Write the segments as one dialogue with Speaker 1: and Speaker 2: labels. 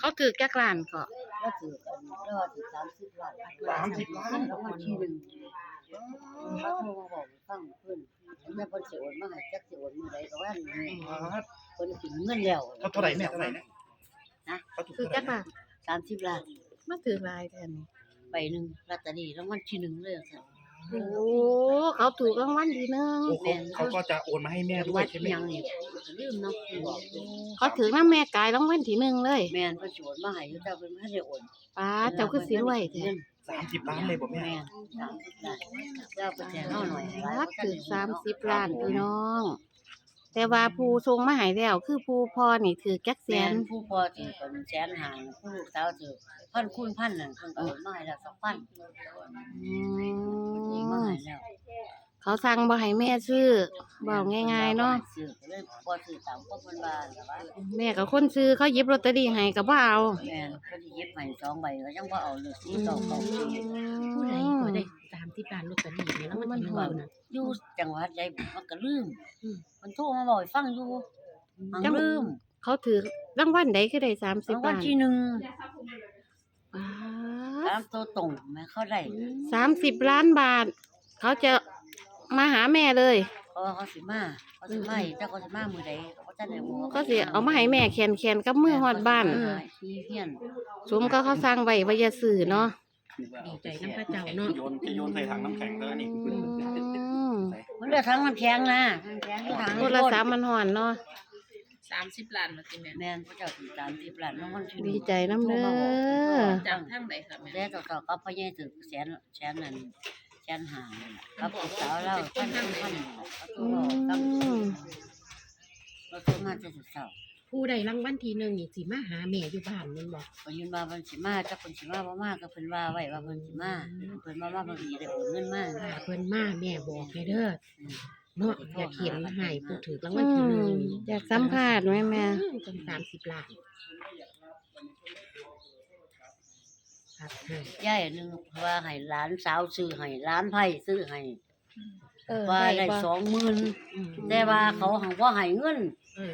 Speaker 1: เขาถือแก้กล้านก็
Speaker 2: แล้วถือกันแล้วถือ30 ล้าน
Speaker 3: 30 ล้าน
Speaker 2: แล้วมันที่หนึ่งเขาโทรมาบอกฟังเพิ่นแล้วเพิ่นสิโอนมาให้จักสิโอนมื้อใดก็ว่าเพิ่นสิเงินแล้ว
Speaker 3: เท่าไหร่แม่เท่าไหร่
Speaker 2: นะ
Speaker 3: เขาถูก
Speaker 1: ถือแก้กล้าน
Speaker 2: 30 ล้าน
Speaker 1: มาถือหลายแทน
Speaker 2: ใบหนึงลอตเตอรี่รางวัลที่1เลยซั่น
Speaker 1: โอ้เขาถูกรางวัลที่หนึ่ง
Speaker 3: เขาก็จะโอนมาให้แม่ด้วยใช่ไหม
Speaker 2: ยังนี่ลืมเนาะบอก
Speaker 1: เขาถือน้ำแม่กายรางวัลที่หนึ่งเลย
Speaker 2: แม่นเพิ่นสิโอนมาให้อยู่แต่เพิ่นบ่ทันได้โอน
Speaker 1: ป้าเจ้าคือสิรวยแท้
Speaker 3: 30 ล้านเลยบ่แม่
Speaker 2: แม่น30 ล้านเจ้าเพิ่นแทนเฮาหน่อย
Speaker 1: รักถือ30 ล้านพี่น้อง แต่ว่าผู้ทรงมาใหายแล้วคือผู้พ่อนี่ถือแก๊กแส
Speaker 2: แม่
Speaker 1: น
Speaker 2: นผู้พ่อถือเป็นแสนหาผู้ลูกสาวถือพันคูณพันนั่นเพิ่นก็โอนมาให้แล้ว2,000
Speaker 1: อื
Speaker 2: มาม ให้แล้ว
Speaker 1: เขาสั่งบ่ให้แม่ซื้อบอกง่ายๆเนาะ
Speaker 2: ซื้อก็เลยบ่ซื้อตามความเพิ่นว่าแต่ว่า
Speaker 1: แม่กับคนซื้อเขาหยิบลอตเตอรี่ให้ก็บ่เอา
Speaker 2: แม่นเพิ่นสิหยิบให้2 ใบก็ยังบ่เอาเลย4 2 2
Speaker 4: ผู้ใดก็ได้30 ล้านลอตเตอรี่นี่แล้วมันถึงว่าน่ะ
Speaker 2: อยู่จังหวัดใดมันก็ลืมมันโทรมาบอกให้ฟังอยู่มันลืม
Speaker 1: เขาถือรางวัลใดคือได้30
Speaker 2: รางวัล
Speaker 1: ล้าน
Speaker 2: ที่1
Speaker 1: ป้า
Speaker 2: ตามตัวตรงแม่เขาได้
Speaker 1: 30 ล้านบาท เขาจะมาหาแม่เลย
Speaker 2: เพราะว่าเขาสิมาอีกแต่เขาสิมามื้อใดเขาบ่ทันได้บอก
Speaker 1: ก็สิเอามาให้แม่แขนๆกับมือฮอดบ้าน
Speaker 2: มีเพี้ยน
Speaker 1: สมก็เขาสั่งไว้ว่าอย่าซื้อเนาะ
Speaker 4: ดีใจนำพระเจ้าเนาะ
Speaker 3: จะโยนใส่ถังน้ำแข็งแล้วนี่
Speaker 2: มันเหลือทั้งน้ำแข็งนะน้ำแข็งอยู่ทาง
Speaker 1: โทรศัพท์มันฮ้อนเนาะ
Speaker 4: 30 ล้านมาสิแม่
Speaker 2: แม่นพระเจ้าสิ30 ล้านรางวัลที่หนึ่ง
Speaker 1: ดีใจนำเด้อ
Speaker 4: จากทางใดค่ะแม่
Speaker 2: แต่ต่อๆก็พ่อใหญ่ถึกแสนนั่นแสนหากับลูกสาวเราพันเขาโทรบอกตั้งเราโทรมาแต่เช้า
Speaker 4: ผู้ใดรางวัลที่1นี่สิมาหาแม่อยู่บ้านแม่นบ่
Speaker 2: ๆก็ยืนว่าเพิ่นสิมาจักเพิ่นสิมาบ่มาก็เพิ่นว่าไว้ว่าเพิ่นสิมาเพิ่นว่าเพิ่นสิได้โอนเงินมา
Speaker 4: ถ้าเพิ่นมาแม่บอกให้เด้อเนาะอยากเห็นให้ผู้ถือรางวัลที่1
Speaker 1: อยากสัมภาษณ์ไหมแม่
Speaker 4: จัง30 ล้านครับให้
Speaker 2: ยายนึงว่าให้หลานสาวซื้อให้หลานไผซื้อให้ ว่าได้ 20,000แต่ว่าเขาหังบ่ให้เงิน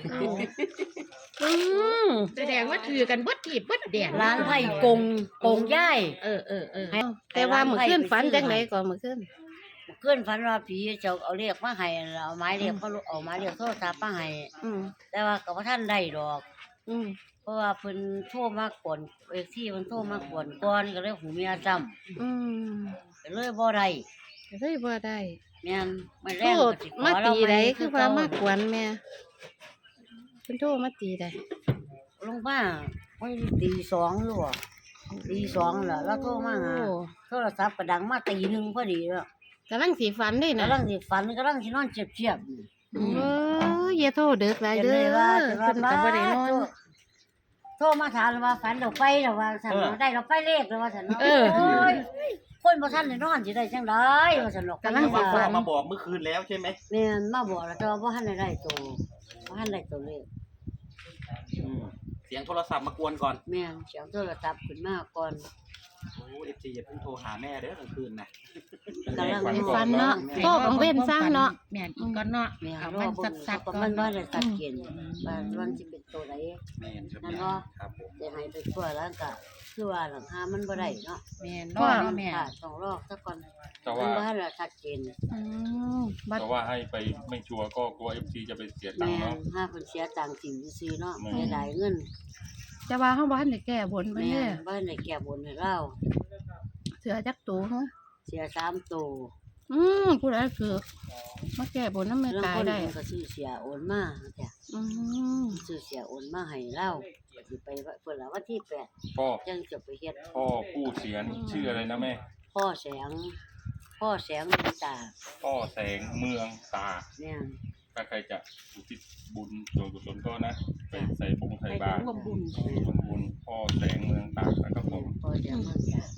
Speaker 4: แสดงว่าถือกันเบิดทีบเบิดแดน
Speaker 2: ร้านไผ่กงย่าย
Speaker 1: แต่ว่ามื้อคืนฝันจังไดก่อนมื้อคืน
Speaker 2: เพื่อนฝันว่าผีเจ้าเอาเรียกมาให้เอาไม้เรียกเขาเอาไม้เรียกโทรศัพท์มาให้
Speaker 1: อืม
Speaker 2: แต่ว่าก็บ่ทันได้ดอก
Speaker 1: อืม
Speaker 2: เพราะว่าเพิ่นโทรมาก่อนที่เพิ่นโทรมาก่อนก็เลยหูเมียซ้ำ
Speaker 1: อืม
Speaker 2: ก็เลยบ่ได้
Speaker 1: เฮ้ยบ่ได้
Speaker 2: แม่นไม่
Speaker 1: โท
Speaker 2: แรง
Speaker 1: ษ
Speaker 2: ก็สิข
Speaker 1: มา
Speaker 2: อเรา
Speaker 1: ตี
Speaker 2: ให
Speaker 1: ใด
Speaker 2: ม่
Speaker 1: คือว่ามาขวนแม่เพิ่นโทรมาตีใด
Speaker 2: ลงมาวันตี2อยู่บ่ตี2แล้วเราโทรมาหา
Speaker 1: โอ้
Speaker 2: โทรศัพท์ก็ดังมาตีหนึ่งพอดีแล้ว
Speaker 1: กำลังสิฝันเด้น่ะ
Speaker 2: กำลังสิฝันกำลังสินอนเจียบๆ
Speaker 1: เอออย่าโทรเด้อหลายเด้อเพิ่นก็บ่ได้นอน
Speaker 2: โทรมาถามว่าฝันดอกไฟดอกว่าฉันได้ดอกไฟเลขแล้วว่าฉัน
Speaker 1: เออ
Speaker 2: โอ้ยคนบ่ทันได้นอนสิได้จังได๋ว่าฉันดอก
Speaker 1: กำลังสิฝั
Speaker 3: มาบอกเมื่อคืนแล้วใช่ไหม
Speaker 2: แม่นมาบอกแล้วแต่ว่าบ่ทันได้ตัวบ่ทันได้ตัวเลข
Speaker 3: เสียงโทรศัพท์มากวนก่อน
Speaker 2: แม่นเสียงโทรศัพท์ขึ้นมาก่อน
Speaker 3: โอ้FC อย่าเพิ่งโทรหาแม่เด้อกลางคืนนะ
Speaker 2: กำลัง
Speaker 1: ให้ฝันเนาะโทรกังเว้นซะเนาะ
Speaker 4: แม่นอีกก่อนเนาะ
Speaker 2: แม่น
Speaker 4: เอา
Speaker 2: รอ
Speaker 4: มัน
Speaker 2: เบิ่ง
Speaker 4: สักๆ
Speaker 2: ก็
Speaker 4: ก่อ
Speaker 2: มัน นบ่ได้ตัดเกณฑ์ว่ามันสิเป็นตัวใด
Speaker 3: แม่ครับ
Speaker 2: นั่นเนาะ
Speaker 3: ครับผม
Speaker 2: จะให้ไปทั่วแล้วก็คือว่าหลังคามันบ่ได้เนาะ
Speaker 4: แม่นรอเนาะแม่
Speaker 2: ค่ะต้องรอซะก่อน
Speaker 5: แต่
Speaker 2: มัน
Speaker 5: ว่า
Speaker 2: บ่ทันได้ชัดเจน
Speaker 1: อืมบัด
Speaker 5: แต่ว่าให้ไปไม่ชัวร์ก็กลัว FC จะไปเสียตัง
Speaker 2: แม่
Speaker 5: ค์เนาะ
Speaker 2: ห้าเพิ่นเสียตังค์สิ่งซื่อๆเนาะ
Speaker 5: แม่
Speaker 2: เสียดายเงิน
Speaker 1: จะว่าเฮาบ่ทันได้แก้บนไป
Speaker 2: แม่
Speaker 1: เด้อ
Speaker 2: บ้านได้แก้บนให้เรา
Speaker 1: เสือจักตูฮะ
Speaker 2: เสีย3ตัว
Speaker 1: ผู้ใดคือมาแก้บนนำแม่
Speaker 2: แล้ว
Speaker 1: ตาย
Speaker 2: คน
Speaker 1: ได้
Speaker 2: เพิ่นก็ซื้อเสียโอนมาจ้ะ
Speaker 1: อืม
Speaker 2: ซื้อเสียโอนมาให้เราสิไปเพิ่นละวันที่8
Speaker 5: พ่อ
Speaker 2: จังจะไปเฮ็ด
Speaker 5: พ่อผู้เสียนี่ชื่ออะไรนะแม่
Speaker 2: พ่อแสงมีตา
Speaker 5: พ่อแสงเมืองตา
Speaker 2: เนี่ย
Speaker 5: ถ้าใครจะอุทิศบุญส่วนกุศลก็นะไปใส่บงใส่บาตร
Speaker 4: ร่วมบุญ
Speaker 5: ร่วมบุญพ่อแสงเมืองตานะครับผม
Speaker 2: พ่อแสงเมืองตา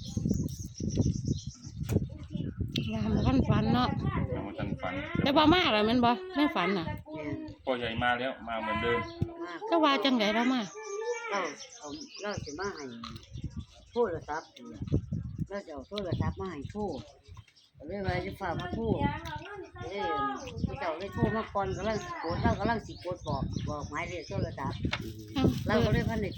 Speaker 1: ยามบ่ทันฝันเนาะ
Speaker 5: ยังไม่ทันฝัน
Speaker 1: แต่บ่มาแล้วแม่นบ่แม่ฝันน่ะ
Speaker 2: เนี่ย
Speaker 5: พ่อใหญ่มาแล้วมาเหมือนเดิม
Speaker 2: มาก
Speaker 1: ก็ว่าจังได๋แล้วมา
Speaker 2: เราเราสิมาให้โทรศัพท์เนี่ยเราจะเอาโทรศัพท์มาให้โทรก็เลยว่าจะฝากมาโทรเลยเขาเจ้าเลยโทรมาก่อนกำลังสิกดเรากำลังสิกดบอกหมายเลขโทรศัพท์เราก็เลยพันได้กด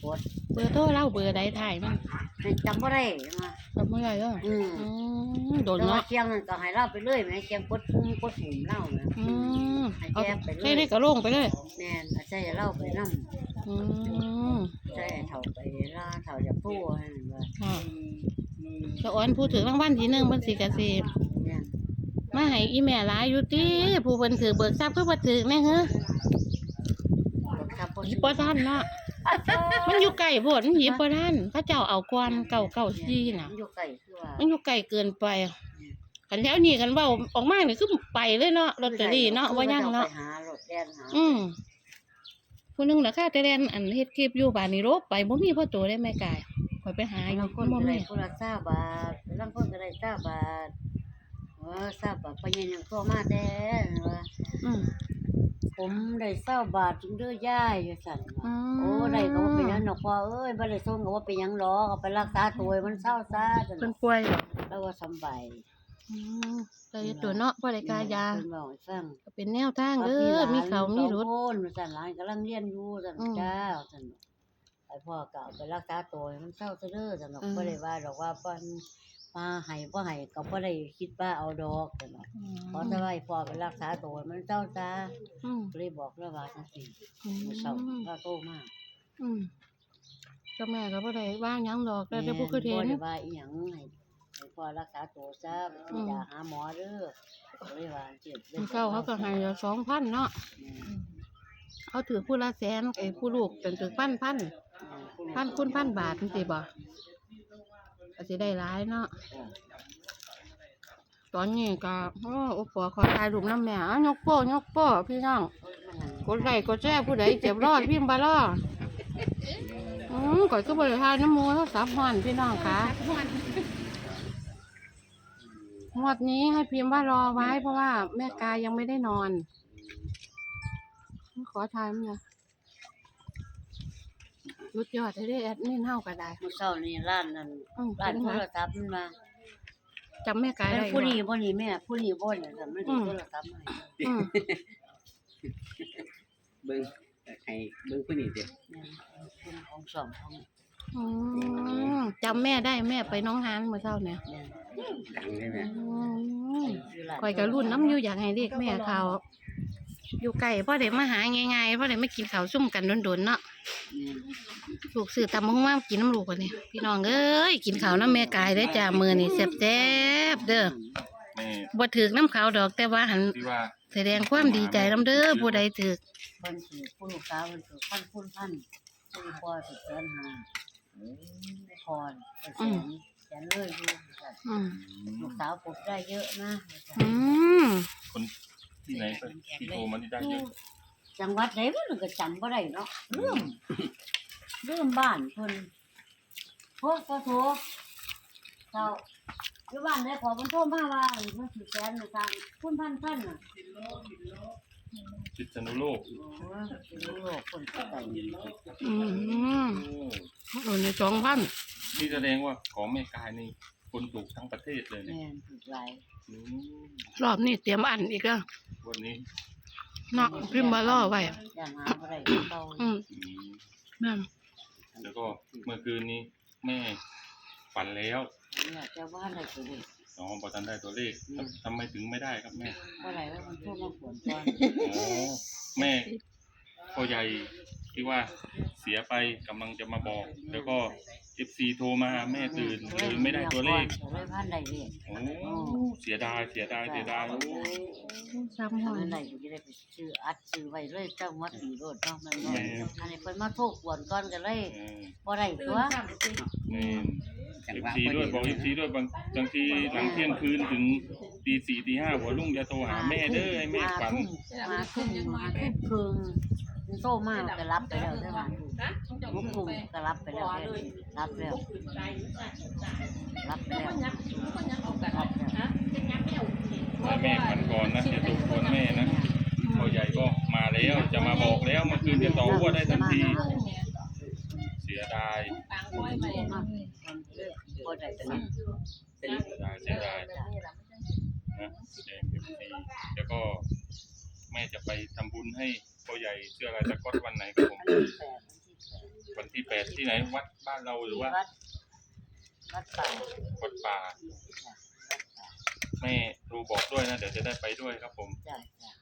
Speaker 1: เบอร์โทรเล่าเบอร์ใดถ่ายมัน
Speaker 2: จำบ่ได้มา
Speaker 1: จำไม่ได้เด้อ
Speaker 2: อืม
Speaker 1: โดน
Speaker 2: แต่ว่า
Speaker 1: เนาะ
Speaker 2: เชียงนั่นก็ให้เล่าไปเรื่อยแม่เชียงกดปุ่มเล่าแม่
Speaker 1: เอาใช่ได้กระโลงไปเลย
Speaker 2: แม่นอาจารย์เล่าไปนำ
Speaker 1: อืม
Speaker 2: ใช่เฒ่าไปล่าเฒ่าจะพูดให้ว่า
Speaker 1: ค่ะจะอ้อนพูดถึงรางวัลที่1เพิ่นสิกสิ
Speaker 2: แม่น
Speaker 1: มาให้อีแม่หลายอยู่ติผู้เพิ่นถือเบิกทรัพย์คือบ่ถือแม่เฮ้อ
Speaker 2: บักคับบ่
Speaker 1: หยิบบ่ทันเนาะมันอยู่ไกลโพดมันหยิบบ่ทันเขาเจ้าเอาก่อน994น่ะ
Speaker 2: อยู่ไกลคือว่า
Speaker 1: มันอยู่ไกลเกินไปคันแถวนี้กันเว้าออกมานี่คือไปเลยเนาะลอตเตอรี่เนาะว่ายังเนาะ
Speaker 2: ไปหารถแล่นหา
Speaker 1: ผู้หนึงน่ะค่ะแต่แลนอันเฮ็ดคลิปอยู่บ้านนี่โรบไปบ่มีพ่อโตได้แม่กายข่อยไปหาอยู่
Speaker 2: บางคน
Speaker 1: บ่
Speaker 2: ก็ได้
Speaker 1: มี
Speaker 2: คนละ20บาทบางคนก็ได้20บาท20บาทไปยังตัวมาแต่ว่า
Speaker 1: อืม
Speaker 2: ผมได้20บาทจึงเด้อยายว่าซั่น
Speaker 1: อื
Speaker 2: ว่าม โอ้ได้ก็บ่เป็นหยังดอกพ่อเอ้ยบ่ได้ส่งก็บ่เป็นหยังหรอกเอาไปรักษาตัวให้มันเศร้าซะซั่น
Speaker 1: เพิ่นป่วยเหรอ
Speaker 2: แล้วก็สำบาย
Speaker 1: อืมแต่ตัวเนาะบ่ได้กายา
Speaker 2: เพิ่นเว้าให้ฟัง
Speaker 1: ก็เป็นแนวทางเด้อมีเขามีรถ
Speaker 2: คนสั่นหลานกำลังเรียนอยู่สั่น
Speaker 1: อืม
Speaker 2: จ้าสั่นไอ้พ่อก็เอาไปรักษาตัวให้มันเศร้าซะเด้อสั่นดอก
Speaker 1: อืม
Speaker 2: บ่ได้ว่าดอกว่าเพิ่นมาให้บ่ให้ก็บ่ได้คิดว่าเอาดอกสั่นดอกขอแต่ว่าให้พ่อไปรักษาตัวให้มันเศร้าซะ
Speaker 1: อืม
Speaker 2: ก็เลยบอกแล้วว่าจังซี่
Speaker 1: อืม
Speaker 2: มื้อเช้าก็โตมา
Speaker 1: อืมก็แม่ก็บ่ได้ว่าหยังดอกแต่เดี๋ยวผู้คือเห็
Speaker 2: บ่
Speaker 1: น
Speaker 2: ได้ว่าอีหยังให้พ่อรักษาตัวซะไปกินยาหาหมอเด้อก็เลยว่าจังซี่
Speaker 1: มันเข้าเขาก็ให้2,000เนาะเขาถือผู้ละแสนไอ้ผู้ลูกเป็นถือพันคูณพันบาทจังซี่บ่ก็สิได้หลายเนาะตอนนี้ก็โอ้ปอขอถ่ายรูปนำแม่อ่ะยกโป้พี่น้องกดไลค์กดแชร์ผู้ใดเจ็บรอดพิมพ์บ่รอก่อยก็บ่ได้ถ่ายน้ำหมู่โทรศัพท์ฮ้อนพี่น้องค่ะงวดนี้ให้พิมพ์ว่ารอไว้เพราะว่าแม่กายยังไม่ได้นอนขอถ่ายมันนะสุดยอดได้แอดมินเฮาก็ได้
Speaker 2: มื้อเช้านี่ร้านนั้นร้านโทรศัพท์มันมา
Speaker 1: จำแม่กาย
Speaker 2: แม่
Speaker 1: ได้
Speaker 2: ผู้นี้บ่นี่แม่ผู้นี้บ่เนี่ยค่ะมันสิโทรศัพท์มาให้
Speaker 1: อืม
Speaker 3: เบิ้งให้เบิ้งผู้นี้เด้
Speaker 2: แม่คนของสองของ
Speaker 1: อืมจำแม่ได้แม่ไปน้องฮานเมื่อเช้าเนี่ย
Speaker 2: แม่
Speaker 3: ดังใช่ไหม
Speaker 2: อยู่ร้าน
Speaker 1: ข่อยก็รุ่นน้ำอยู่อยากให้เรียกแม่เขาอยู่ไกลพ่อเด็มาหาง่ายๆพ่อเด็ไม่กินข้าวซุ่มกันโดนๆเนาะ
Speaker 2: แม่
Speaker 1: ลูกซื้อตำบักหุ่งมากินน้ำลูกกันนี่พี่น้องเอ้ยกินข้าวน้ำแม่กายได้อจ้ามื้อนี่แซ่บๆเด้อ
Speaker 5: แม่
Speaker 1: บ่ถึกน้ำขาวดอกแต่ว่าหัน
Speaker 5: ที่ว่า
Speaker 1: แสดงความดีใจน้ำเด้อผู้ใดถึก
Speaker 2: เพิ่นสิผู้ลูกสาวเพิ่นสิพันผู้พ่อสิแสนห้าพรแสนเลยอยู่ค่ะ
Speaker 1: อืม
Speaker 2: ลูกสาวปลูกได้เยอะนะ
Speaker 1: อืม
Speaker 5: คนที่ไหนก็ที่โทรมาที่ได้เยอะ
Speaker 2: จังหวัดไหนมันก็จำบ่ได้เนาะลืมบ้านเพิ่นโทรก็โทรเจ้าอยู่บ้านได้ขอเพิ่นโทรมาว่าเพิ่นสิแสนทางคุณพันน่ะ
Speaker 5: พิษณุโลก
Speaker 2: โอ้ยสิรู้โลกคนก็ได้
Speaker 1: อืม
Speaker 5: โอ้
Speaker 1: โดนใน2,000
Speaker 5: นี่แสดงว่าของแม่กายนี่คนถูกทั้งประเทศเลยเนี่ย
Speaker 2: แม่นถูกหลาย
Speaker 5: อืม
Speaker 1: รอบนี้เตรียมอันอีกแล้ว
Speaker 5: วันนี้
Speaker 1: เนาะพิมพ์มารอไว้
Speaker 2: อย่างหาบ่ได้เก่า
Speaker 1: อืม
Speaker 5: อืม
Speaker 1: แม่น
Speaker 5: แล้วก็เมื่อคืนนี้แม่ฝันแล้ว
Speaker 2: เนี่ยจะว่าอะไรก็ได้
Speaker 5: น้องบอทันได้ตัวเลขทำไมถึงไม่ได้ครับแม่
Speaker 2: บ่ได้ว่ามันโทรมาขวนก่อน
Speaker 5: อ๋อแม่พ่อใหญ่ที่ว่าเสียไปกำลังจะมาบอก แล้วก็ FC โทรมาแม่ตื่นเลยไม่ได้ตัวเลข
Speaker 2: เลยพันได้เลข
Speaker 5: โอ้เสียดายโอ้
Speaker 1: ซ้ำหอ
Speaker 2: พั
Speaker 1: ย
Speaker 2: นได้อยู่ที่ได้ไปซื้ออัดซื้อไว้เลยเจ้ามัดดีโลดเนาะมันบ่อันนี้เพิ่นมาโทรขวนก่อนก็เลย
Speaker 5: เออ
Speaker 2: บ่ได้ตัว
Speaker 5: นี่
Speaker 3: จังหวะ
Speaker 5: FC ด้วยบอก FC ด้วยบางทีหลังเที่ยงคืนถึงตี4ตี5หัวรุ่งจะโทรหาแม่เด้อให้แม่ฝัน
Speaker 2: มาทุ่มครึ่งมันโตมาก็รับไปแล้วใช่ไหมมุกคุมก็รับไปแล้วรับแล้วรับแล้วรับแล้ว
Speaker 5: ให้แม่ฝันก่อนนะอย่าถูกกวนแม่นะพ่อใหญ่ก็มาแล้วจะมาบอกแล้วเมื่อคืนจะต่อหัวได้ทันที เสียดาย
Speaker 2: บ่ได้ตัว
Speaker 5: เสียดายนะแจ้ง FC แล้วก็แม่จะไปทำบุญให้พ่อใหญ่เสื้อลายสก๊อตวันไหนครับผม
Speaker 2: วัน
Speaker 5: วันที่8ที่ไหนวัดบ้านเราหรือว่า
Speaker 2: วัดป่า
Speaker 5: วัดป่า
Speaker 2: จ้ะวัดป่า
Speaker 5: แม่โทรบอกด้วยนะเดี๋ยวจะได้ไปด้วยครับผม
Speaker 2: จ้ะจ้ะ